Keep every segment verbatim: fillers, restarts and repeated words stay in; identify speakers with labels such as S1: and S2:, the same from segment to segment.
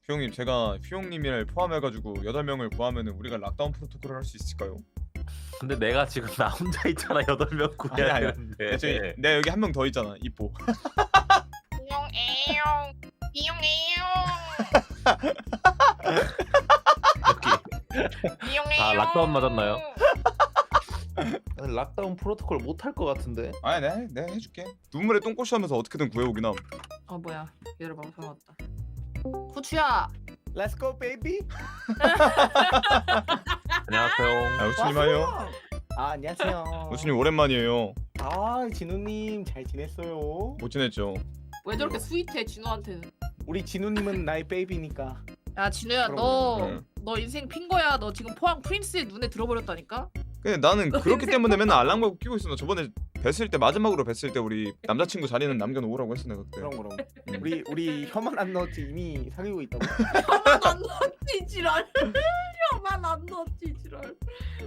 S1: 휘용님 제가 휘용님을 포함해가지고 여덟 명을 구하면은 우리가 락다운 프로토콜을 할 수 있을까요?
S2: 근데 내가 지금 나 혼자 있잖아. 여덟 명 구해야
S1: 아니, 아니.
S2: 되는데.
S1: 저기 내가 여기 한 명 더 있잖아 이뽀.
S3: 이용해요. 이용해요.
S2: 여기.
S3: 이용해요.
S2: 아, 락다운 맞았나요?
S4: 락다운 프로토콜 못 할 것 같은데.
S1: 아니 내가, 해- 내가 해줄게. 눈물에 똥꼬시 하면서 어떻게든 구해오긴 함.
S3: 어 뭐야? 얘를 방송 왔다. 후추야.
S4: Let's go baby.
S2: 안녕하세요.
S1: 아 우추님 하요.
S4: 아 안녕하세요.
S1: 우추님 오랜만이에요.
S4: 아 진우님 잘 지냈어요?
S1: 못 지냈죠?
S3: 왜 저렇게 스윗해 진우한테는?
S4: 우리 진우님은 나의 베이비니까.
S3: 야 진우야
S4: 그럼,
S3: 너
S1: 네.
S3: 너 인생 핀 거야. 너 지금 포항 프린스의 눈에 들어버렸다니까?
S1: 근데 나는
S3: 너
S1: 그렇기
S3: 인생
S1: 때문에 맨날 알람 걸고 끼고 있어. 나 저번에 뵀을 때 마지막으로 뵀을 때 우리 남자친구 자리는 남겨놓으라고 했어 내가 그때.
S4: 그럼 그럼.
S1: 음.
S4: 우리 우리 혀만 안 넣었지 이미 사귀고 있다고.
S3: 혀만 안 넣었지 지랄. 혀만 안 넣었지 지랄.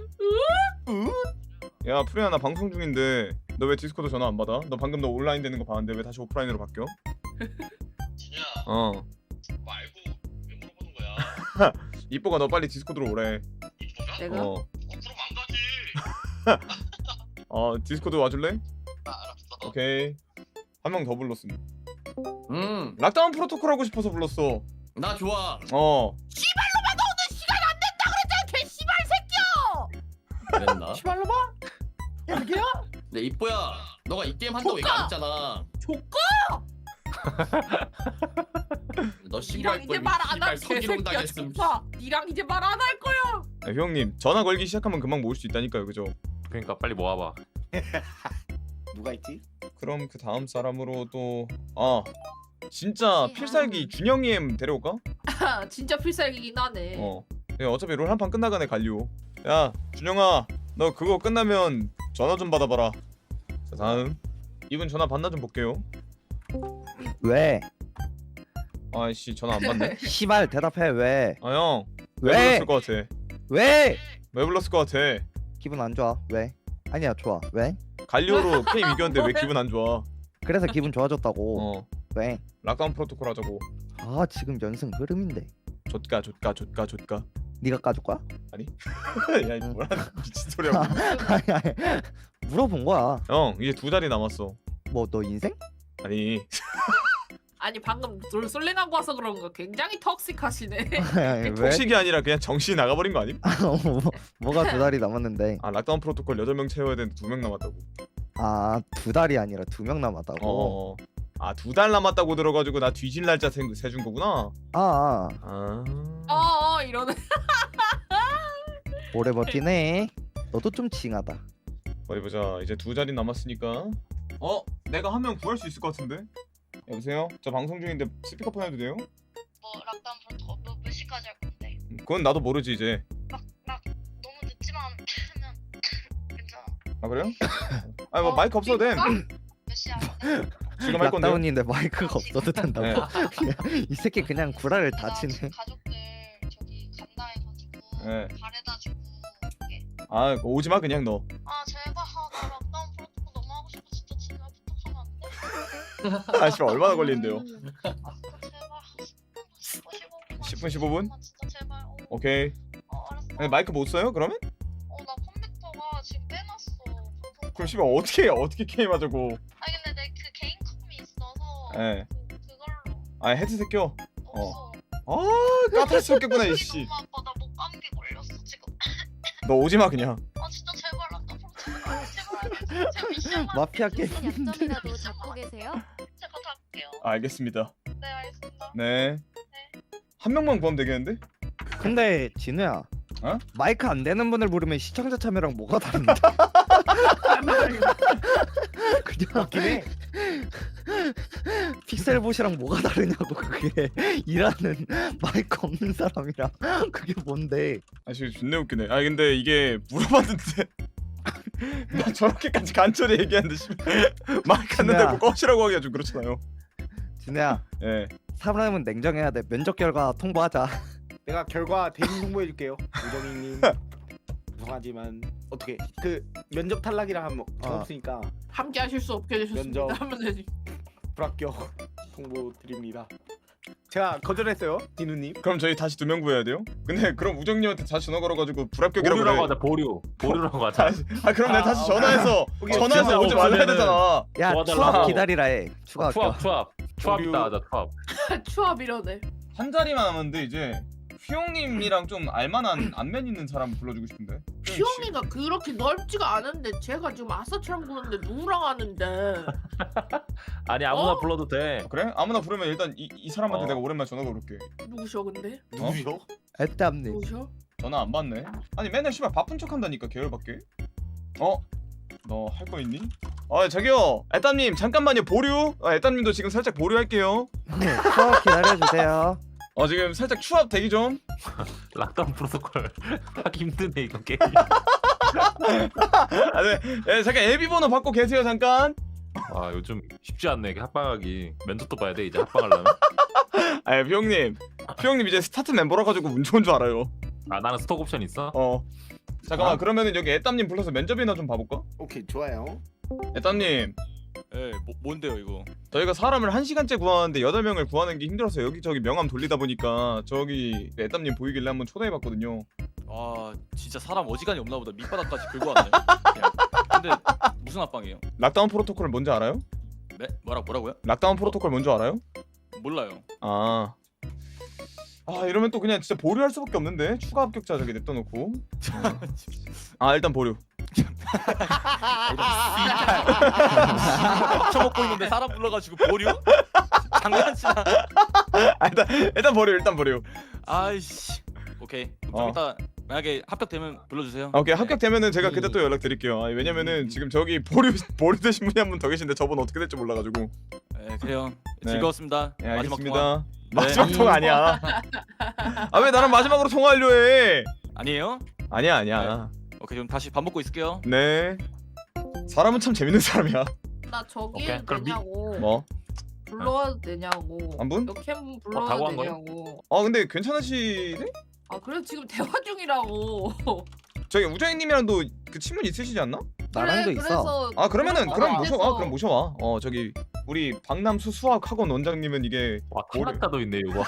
S1: 야 프리야 나 방송 중인데 너 왜 디스코드 전화 안 받아? 너 방금 너 온라인 되는 거 봤는데 왜 다시 오프라인으로 바뀌어?
S5: 진우야
S1: 어
S5: 그거 알고 왜 물어보는 거야?
S1: 이뽀가 너 빨리 디스코드로 오래.
S5: 이쁘가?
S3: 내가
S1: 어,
S5: 어 그럼 안 가지.
S1: 어 디스코드 와줄래?
S5: 아 알았어.
S1: 오케이. 한 명 더 불렀음.
S6: 음,
S1: 락다운 프로토콜 하고 싶어서 불렀어.
S6: 나 좋아.
S1: 어.
S3: 개씨발 새끼야.
S6: 그랬나?
S4: 시발로 봐. 여기야?
S6: 네 이뻐야, 너가 이 게임 한다고 얘기 안 했잖아.
S3: 조건.
S6: 너 신고할
S3: 니랑
S6: 걸
S3: 이제 말 안 할
S6: 서기롱
S3: 개새끼야
S6: 당했음.
S3: 진짜. 니랑 이제 말 안 할 거야.
S1: 아, 형님 전화 걸기 시작하면 금방 모을 수 있다니까요, 그죠?
S2: 그러니까 빨리 모아봐.
S4: 누가 있지?
S1: 그럼 그 다음 사람으로 또 아 진짜 필살기 준영이 엠 데려올까?
S3: 진짜 필살기긴 하네.
S1: 어. 야, 어차피 롤 한 판 끝나가네 갈리오. 야 준영아, 너 그거 끝나면 전화 좀 받아봐라. 자 다음 이분 전화 받나 좀 볼게요.
S7: 왜?
S1: 아이씨 전화 안 받네.
S7: 시발 대답해 왜?
S1: 아 형. 왜
S7: 왜?
S1: 불렀을 것 같아?
S7: 왜?
S1: 왜 불렀을 것 같아?
S7: 기분 안 좋아 왜? 아니야 좋아 왜?
S1: 갈리오로 게임 이겼는데 왜 기분 안 좋아?
S7: 그래서 기분 좋아졌다고.
S1: 어.
S7: 왜?
S1: 락다운 프로토콜 하자고.
S7: 아 지금 연승 흐름인데
S1: 좆가 좆가 좆가 좆가.
S7: 네가 까줄 거야?
S1: 야 이거 뭐라는 미친 소리야.
S7: 아니 아니 물어본 거야.
S1: 형 이제 두 달이 남았어.
S7: 뭐 너 인생?
S1: 아니
S3: 아니 방금 롤 솔랭하고 와서 그런가 굉장히 턱식하시네.
S7: 아니, 왜?
S1: 톡식이 아니라 그냥 정신이 나가버린 거 아님?
S7: 뭐, 뭐가 두 달이 남았는데?
S1: 아 락다운 프로토콜 여덟 명 채워야 되는데 두 명 남았다고.
S7: 아 두 달이 아니라 두 명 남았다고.
S1: 어. 아 두 달 남았다고 들어가지고 나 뒤질 날짜 세, 세준 거구나.
S7: 아, 아
S1: 아.
S3: 어어 이러네.
S7: 오래 버티네. 너도 좀 징하다.
S1: 어디 보자. 이제 두 자리 남았으니까. 어? 내가 한 명 구할 수 있을 것 같은데? 여보세요? 저 방송 중인데 스피커폰 해도 돼요?
S8: 뭐 락다운 프로토콜 뭐, 몇 시까지 할 건데?
S1: 음, 그건 나도 모르지 이제.
S8: 막, 막 너무 늦지만 하면 괜찮아.
S1: 아 그래요? 아니 뭐
S8: 어,
S1: 마이크 없어도 돼.
S8: 몇 시야? 네.
S1: 지금 할 건데.
S7: 락다운인데 마이크가 없어도 된다고.
S1: 네.
S7: 이 새끼 그냥 구라를 다
S8: 나
S7: 치네.
S8: 지금 가족들 저기 간다 해가지고
S1: 네.
S8: 바래다 주고 올게.
S1: 아 그거 오지 마 그냥 너.
S8: 아 제발 아, 나 락다운 프로토콜 너무 하고 싶어 진짜 진짜 부탁하면 안 돼?
S1: 아 씨발 얼마나 걸리는데요?
S8: 아 제발 십 분 십오 분만
S1: 십 분, 십오 분?
S8: 진짜 제발 어,
S1: 오케이.
S8: 어 알았어.
S1: 근데 마이크 못 써요 그러면?
S8: 어나 컴퓨터가 지금 빼놨어 방송
S1: 그럼 씨발 어떻게 어떻게 게임하자고?
S8: 아니 근데 내 그 개인 컴이 있어서
S1: 네.
S8: 그, 그걸로
S1: 아 헤드셋 껴.
S8: 없어.
S1: 아 까탈스럽겠구나 이씨.
S8: 너무 아파. 나 목 감기 걸렸어 지금.
S1: 너 오지 마 그냥.
S8: 아 진짜 제발 락다운 제발 제발 제발 미션만
S7: 마피아 게임.
S9: 약점이라도 잡고 계세요?
S8: 제가 다 할게요.
S1: 알겠습니다.
S8: 네 알겠습니다.
S1: 네. 한 명만 구하면 되겠는데?
S7: 근데 진우야.
S1: 어?
S7: 마이크 안 되는 분을 부르면 시청자 참여랑 뭐가 다른데? 그냥
S4: 맞긴 해.
S7: 픽셀봇이랑 뭐가 다르냐고 그게. 일하는 마이크 없는 사람이랑 그게 뭔데?
S1: 아 지금 존나 웃기네. 아 근데 이게 물어봤는데 나 저렇게까지 간절히 얘기하는데 씨발 마이크 안 된다고 꺼시라고 하기가 좀 그렇잖아요.
S7: 진우야
S1: 예.
S7: 사람은 냉정해야 돼. 면접 결과 통보하자.
S4: 내가 결과 대신 홍보해줄게요. 우정이님. 죄송하지만 어떻게 그 면접 탈락이랑 하면 저
S7: 아.
S4: 없으니까
S3: 함께 하실 수 없게 되셨습니다.
S4: 면접.
S3: 하면 되지.
S4: 불합격 통보 드립니다. 제가 거절했어요, 디누님.
S1: 그럼 저희 다시 두 명 구해야 돼요? 근데 그럼 우정님한테 다시 전화 걸어가지고 불합격이라고
S2: 보류라고
S1: 그래.
S2: 하자 보류. 보류라고 하자.
S1: 다시- 아 그럼 내가 다시
S4: 아,
S1: 전화해서
S4: 오케이.
S1: 전화해서 오지 말라 해야 되잖아.
S7: 야
S2: 도와달라고.
S7: 추억 기다리라 해. 추가
S2: 투합
S7: 합격.
S2: 투합 투합
S4: 보류.
S2: 있다 하자 투합.
S3: 추합 이러네.
S1: 한 자리만 남았는데 이제 휘용님이랑 좀 알만한 안면 있는 사람 불러주고 싶은데.
S3: 피용이가 그렇게 넓지가 않은데 제가 지금 아싸처럼 구는데 누구랑 하는데?
S2: 아니 아무나
S3: 어?
S2: 불러도 돼.
S1: 그래? 아무나 부르면 일단 이, 이 사람한테
S2: 어.
S1: 내가 오랜만에 전화 걸을게.
S3: 누구셔 근데?
S4: 누구요?
S7: 애땀님.
S3: 누구셔?
S1: 전화 안 받네. 아니 맨날 씨발 바쁜 척 한다니까 계열받게. 어? 너 할 거 있니? 아 저기요 애땀님 잠깐만요 보류. 아, 애땀님도 지금 살짝 보류할게요.
S7: 네, 추억 기다려주세요.
S1: 어 지금 살짝 추합 대기 좀.
S2: 락다운 프로토콜 하기 힘드네 이거 게임.
S1: 아 네. 예, 잠깐 애비 번호 받고 계세요 잠깐.
S2: 아 요즘 쉽지 않네 이게 합방하기. 멘토도 봐야 돼 이제 합방하려면.
S1: 아 피용님 피용님 이제 스타트 멤버라 가지고 운 좋은 줄 알아요.
S2: 아 나는 스톡 옵션 있어?
S1: 어 잠깐만
S2: 아?
S1: 그러면은 여기 애땀님 불러서 면접이나 좀 봐볼까?
S4: 오케이, 좋아요.
S1: 애땀님
S10: 예, 뭐, 뭔데요 이거?
S1: 저희가 사람을 한 시간째 구하는데 여덟 명을 구하는 게 힘들어서 여기저기 명함 돌리다 보니까 저기 애땀님 보이길래 한번 초대해봤거든요.
S10: 아 진짜 사람 어지간히 없나 보다. 밑바닥까지 긁고 왔네. 그냥. 근데 무슨 합방이에요?
S1: 락다운 프로토콜 뭔지 알아요?
S10: 네? 뭐라 뭐라고요?
S1: 락다운 프로토콜 뭔지 알아요?
S10: 몰라요.
S1: 아... 아 이러면 또 그냥 진짜 보류할 수밖에 없는데 추가 합격자 저기 냅둬놓고. 아 일단 보류.
S10: 쳐먹고 있는데 사람 불러가지고 보류? 장난치나?
S1: 아 일단 일단 보류 일단 보류.
S10: 아이씨. 오케이. 좀
S1: 어.
S10: 이따 만약에 합격되면 불러주세요.
S1: 아, 오케이
S10: 네.
S1: 합격되면은 제가 그때
S7: 음.
S1: 또 연락드릴게요. 아, 왜냐면은
S10: 음.
S1: 지금 저기 보류 보류 되신 분이 한 분 더 계신데 저분 어떻게 될지 몰라가지고.
S10: 네, 그래요.
S1: 네.
S10: 즐거웠습니다.
S1: 네
S10: 마지막
S1: 알겠습니다.
S10: 통화.
S1: 마지막
S10: 네.
S1: 통화 아니야. 아 왜 나랑 마지막으로 통화하려 해?
S10: 아니에요?
S1: 아니야 아니야.
S10: 오케이, 그럼 다시 밥 먹고 있을게요.
S1: 네. 사람은 참 재밌는 사람이야.
S3: 나 저기
S2: 오케이,
S3: 해도
S2: 그럼 미-
S3: 되냐고.
S1: 뭐?
S3: 불러와도 되냐고.
S1: 한 분?
S3: 이렇게 한번
S2: 어,
S3: 불러와도
S2: 다고 한 거야?
S3: 되냐고.
S1: 아 근데 괜찮으시네?
S3: 아 그래 지금 대화 중이라고.
S1: 저기 우정이님이랑도 그 친분 있으시지 않나?
S7: 나랑도
S3: 그래,
S7: 있어.
S3: 그래서
S1: 아 그러면은
S3: 그런
S1: 그럼
S3: 거
S1: 모셔 와
S3: 같아서.
S1: 그럼 모셔와. 어 저기 우리 박남수 수학학원 원장님은 이게
S2: 와
S1: 뭐래?
S2: 캐나다도 있네 이거.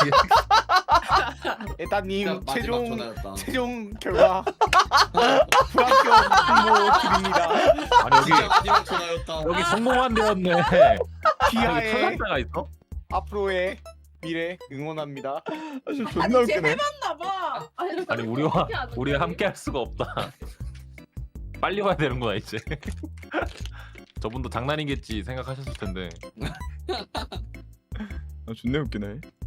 S4: 애따님
S6: 진짜 마지막
S4: 최종
S6: 전화였다.
S4: 최종 결과 불합격 통보 드립니다.
S2: 아니 여기
S6: 진짜 마지막 전화였다.
S2: 여기 성공한 데였네.
S4: 기아의
S2: 탈락자가 있어?
S4: 앞으로의 미래 응원합니다.
S1: 아 진짜 존나
S3: 아니
S1: 웃기네.
S3: 재해봤나봐.
S2: 아니 우리와 우리 함께 할 수가 없다. 빨리 와야 되는구나 이제. 저분도 장난이겠지 생각하셨을 텐데.
S1: 아 존나 웃기네.